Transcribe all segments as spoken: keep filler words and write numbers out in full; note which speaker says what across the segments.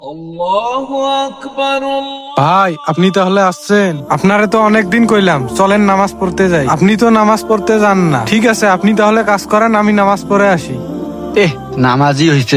Speaker 1: আল্লাহু আকবার।
Speaker 2: ভাই আপনি তাহলে আসছেন? আপনারে তো অনেকদিন কইলাম চলেন নামাজ পড়তে যাই, আপনি তো নামাজ পড়তে যান না। ঠিক আছে আপনি তাহলে কাজ করেন, আমি নামাজ পড়ে আসি।
Speaker 3: এহ নামাজই হইছে।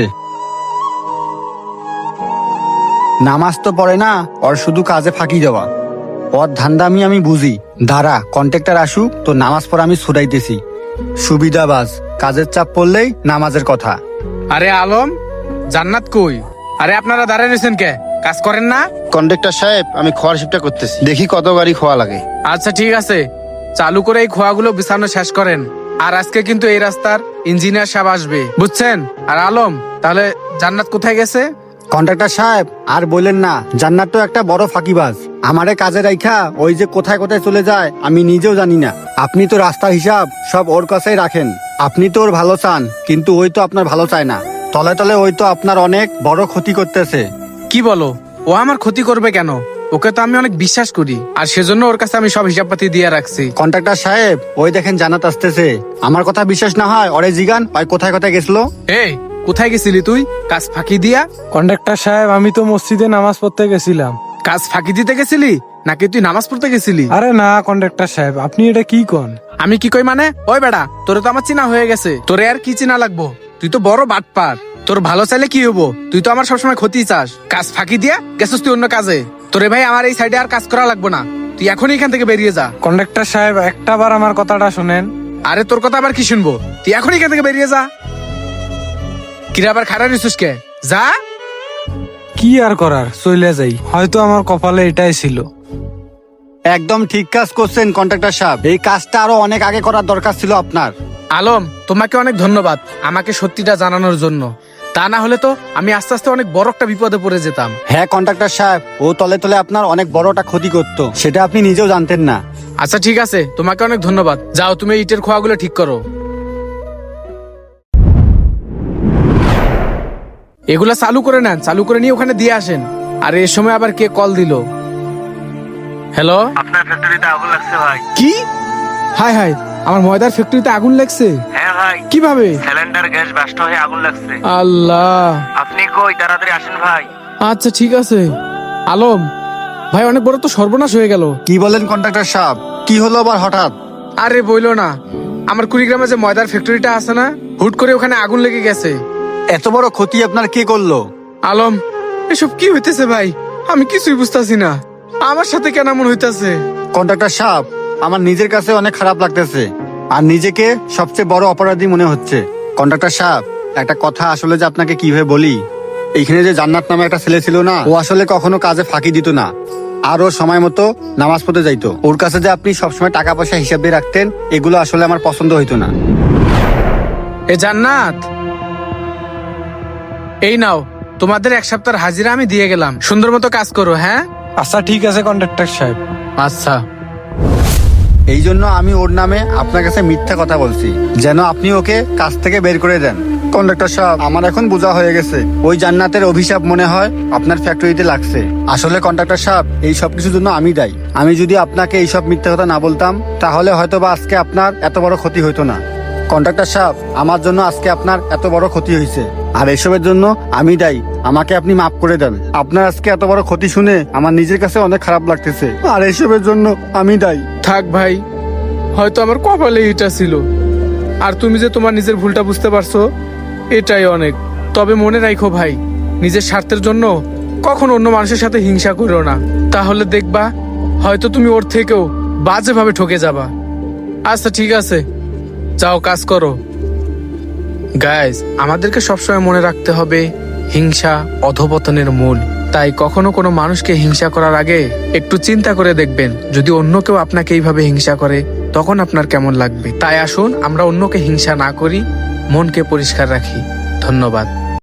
Speaker 3: নামাজ তো পড়ে না, ওর শুধু কাজে ফাঁকি দেওয়া। ওর ধান্দামি আমি বুঝি। দাঁড়া কন্ট্রাক্টর আসুক তো নামাজ পড়ে আমি ছুটাইতেছি। সুবিধাবাজ, কাজের চাপ পড়লেই নামাজের কথা।
Speaker 4: আরে আলম, জান্নাত কই? আরে আপনারা দাঁড়ায় রয়েছেন কে? কাজ করেন না?
Speaker 5: কন্ডাক্টর সাহেব, আমি খোয়ার শিফটটা করতেছি, দেখি কত গাড়ি খোয়া লাগে।
Speaker 4: আচ্ছা ঠিক আছে, চালু করে এই খোয়াগুলো বিছানো শেষ করেন। আর আজকে কিন্তু এই রাস্তার ইঞ্জিনিয়ার সাহেব আসবে, বুঝছেন? আর আলম, তাহলে জান্নাত কোথায় গেছে?
Speaker 3: কন্ট্রাক্টর সাহেব আর বললেন না, জান্নাত তো একটা বড় ফাঁকিবাজ। আমারে কাজে রাইখা ওই যে কোথায় কোথায় চলে যায় আমি নিজেও জানি না। আপনি তো রাস্তার হিসাব সব ওর কাছেই রাখেন। আপনি তো ওর ভালো চান, কিন্তু ওই তো আপনার ভালো চায় না। তলে তলে ওই তো আপনার অনেক বড় ক্ষতি করতেছে।
Speaker 4: কি বলো? ও আমার ক্ষতি করবে কেন? ওকে তো আমি অনেক বিশ্বাস করি, আর সেজন্য ওর কাছে আমি সব হিসাবপাতি দিয়ে রাখছি।
Speaker 3: কন্ট্রাক্টর সাহেব, ওই দেখেন জান্নাত আসতেছে। আমার কথা বিশ্বাস না হয় ওরে জিগান, ওই কোথায় কোথায় গেছিল।
Speaker 4: এই কোথায় গেছিলি তুই কাজ ফাঁকি দিয়া?
Speaker 2: কন্ডাক্টর সাহেব আমি তো মসজিদে নামাজ পড়তে গেছিলাম।
Speaker 4: কাজ ফাঁকি দিতে গেছিলি নাকি তুই নামাজ পড়তে গেছিলি?
Speaker 2: আরে না কন্ডাক্টর সাহেব, আপনি এটা কি কন?
Speaker 4: আমি কি কই মানে? ওই বেড়া, তোরে তো আমার চিনা হয়ে গেছে, তোরে আর কি চিনা লাগবো? তুই তো বড় বাটপার। তোর ভালো চাইলে কি হবো? তুই তো আমার সবসময় ক্ষতি চাস। কাজ ফাঁকি দিয়া গেছিস তুই অন্য কাজে। তোরে ভাই আমার এই সাইডে আর কাজ করা লাগবো না, তুই এখনই এখান থেকে বেরিয়ে যা।
Speaker 2: কন্ডাক্টর সাহেব একটা বার আমার কথাটা শুনেন।
Speaker 4: আরে তোর কথা আবার কি শুনবো? তুই এখনই এখান থেকে বেরিয়ে যা। কিরে আবার খারাপ নিছিস কে? যা।
Speaker 2: কি আর করার, চলে যাই। হয়তো আমার কপালে এটাই ছিল।
Speaker 3: একদম ঠিক কাজ করছেন কন্ট্রাক্টর সাহেব, এই কাজটা আরো অনেক আগে করার দরকার ছিল আপনার।
Speaker 4: আলম, তোমাকে অনেক ধন্যবাদ আমাকে সত্যিটা জানানোর জন্য। তা না হলে তো আমি আস্তে আস্তে অনেক বড় একটা বিপদে পড়ে যেতাম।
Speaker 3: হ্যাঁ কন্ট্রাক্টর সাহেব, ও তলে তলে আপনার অনেক বড়টা ক্ষতি করত, সেটা আপনি নিজেও জানতেন না।
Speaker 4: আচ্ছা ঠিক আছে, তোমাকে অনেক ধন্যবাদ। যাও তুমি ইটের খোয়াগুলো ঠিক করো। এগুলা চালু করে নেন, চালু করে নিয়ে ওখানে দিয়ে আসেন। আর এর সময় আবার কে কল দিল? হ্যালো,
Speaker 6: আপনার ফ্যাক্টরিতে আগুন লাগছে ভাই।
Speaker 4: কি? হাই হাই, আমার ময়দার ফ্যাক্টরিতে আগুন লাগছে?
Speaker 6: হ্যাঁ ভাই,
Speaker 4: কিভাবে?
Speaker 6: সিলিন্ডার গ্যাস বাস্ট হয়ে আগুন লাগছে।
Speaker 4: আল্লাহ,
Speaker 6: আপনি কই? তাড়াতাড়ি আসেন ভাই।
Speaker 4: আচ্ছা ঠিক আছে। আলম ভাই, অনেক বড় তো সর্বনাশ হয়ে গেল।
Speaker 3: কি বলেন কন্ট্রাক্টর সাহেব, কি হলো আবার হঠাৎ?
Speaker 4: আরে বইলো না, আমার কুড়িগ্রামে যে ময়দার ফ্যাক্টরিটা আছে না, হুট করে ওখানে আগুন লেগে গেছে।
Speaker 3: এত বড় ক্ষতি আপনার কে করলো?
Speaker 4: আলম, এসব কি হইতেছে ভাই? আমি কিছুই বুঝতাছি না, আমার সাথে কেন এমন হইতাছে?
Speaker 3: কন্ট্রাক্টর সাহেব, আমার নিজের কাছে অনেক খারাপ লাগতেছে, আর নিজেকে সবচেয়ে বড় অপরাধী মনে হচ্ছে। কন্ট্রাক্টর সাহেব, একটা কথা আসলে যে আপনাকে কিভাবে বলি, এইখানে যে জান্নাত নামে একটা ছেলে ছিল না, ও আসলে কখনো কাজে ফাঁকি দিত না, আর ও সময় মতো নামাজ পড়তে যাইতো। ওর কাছে যে আপনি সবসময় টাকা পয়সা হিসাব দিয়ে রাখতেন, এগুলো আসলে আমার পছন্দ হইতো না।
Speaker 4: এ জান্নাত, এই নাও তোমাদের এক সপ্তাহের হাজিরা আমি দিয়ে গেলাম, সুন্দর মতো কাজ করো। হ্যাঁ
Speaker 2: আচ্ছা ঠিক আছে কন্ডাক্টর সাহেব।
Speaker 4: আচ্ছা।
Speaker 3: এই জন্য আমি ওর নামে আপনার কাছে মিথ্যা কথা বলছি, যেন আপনি ওকে কাজ থেকে বের করে দেন। কন্ডাক্টর সাহেব, আমার এখন বোঝা হয়ে গেছে, ওই জান্নাতের অভিশাপ মনে হয় আপনার ফ্যাক্টরিতে লাগছে। আসলে কন্ডাক্টর সাহেব, এই সব কিছুর জন্য আমি দায়ী। আমি যদি আপনাকে এইসব মিথ্যা কথা না বলতাম, তাহলে হয়তো বা আজকে আপনার এত বড় ক্ষতি হইতো না। কন্ট্রাক্টর সাহেব, আমার জন্য আজকে আপনার এত বড় ক্ষতি হয়েছে, আর এসবের জন্য আমি দায়ী। আমাকে আপনি মাফ করে দেন। আপনার আজকে এত বড় ক্ষতি শুনে আমার নিজের কাছে অনেক খারাপ লাগতেছে, আর এসবের জন্য আমি দায়ী।
Speaker 4: থাক ভাই, হয়তো আমার কপালে এটা ছিল, আর তুমি যে তোমার নিজের ভুলটা বুঝতে পারছো, এটাই অনেক। তবে মনে রাখো ভাই, নিজের স্বার্থের জন্য কখন অন্য মানুষের সাথে হিংসা করো না, তাহলে দেখবা হয়তো তুমি ওর থেকেও বাজেভাবে ঠকে যাবা। আচ্ছা ঠিক আছে, যাও কাজ করো। গাইস, আমাদেরকে সবসময় মনে রাখতে হবে, হিংসা অধপতনের মূল। তাই কখনো কোনো মানুষকে হিংসা করার আগে একটু চিন্তা করে দেখবেন, যদি অন্য কেউ আপনাকে এইভাবে হিংসা করে তখন আপনার কেমন লাগবে। তাই আসুন আমরা অন্যকে হিংসা না করি, মনকে পরিষ্কার রাখি। ধন্যবাদ।